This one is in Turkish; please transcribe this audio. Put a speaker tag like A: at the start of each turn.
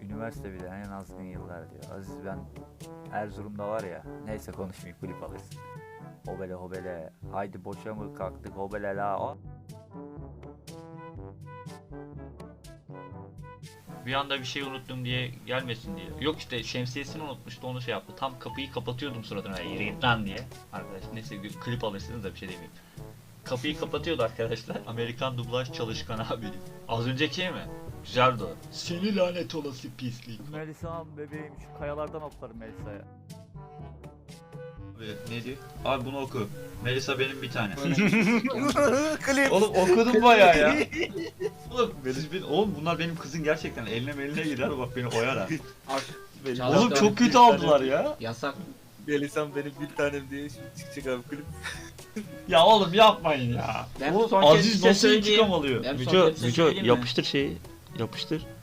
A: Üniversite bir de en azgın yıllar diyor. Aziz ben Erzurum'da var ya. Neyse konuşmayayım klip alırsın. Hobele hobele. Haydi boşa mı kalktık hobele la.
B: Bir anda bir şey unuttum diye gelmesin diye. Yok işte şemsiyesini unutmuştu, onu şey yaptı. Tam kapıyı kapatıyordum suratına, yürü git lan diye. Arkadaş neyse klip alırsınız da bir şey demeyeyim. Kapıyı kapatıyordu arkadaşlar. Amerikan dublaj çalışkan abi. Az önceki mi? Güzeldi o. Seni lanet olası pislik.
A: Melisa'm bebeğim şu kayalardan hoplarım Melisa'ya.
B: Abi ne diyor? Abi bunu oku. Melisa benim bir tane.
C: Klip.
B: Oğlum okudum bayağı ya. Oğlum bunlar benim kızın gerçekten eline gider, bak beni oyar ha. Oğlum çok kötü aldılar ya.
D: Yasak.
C: Melisa'm benim bir tanem diye şimdi çıkacak abi klip.
B: Ya oğlum yapmayın ya.
D: Ben
B: Oğlum
D: son kez bir
B: Aziz
D: şey
B: nasıl
D: söyleyeyim.
B: intikam alıyor?
D: Ben son kez bir şey söyleyeyim mi?
B: Yapıştır şeyi. Yapıştır.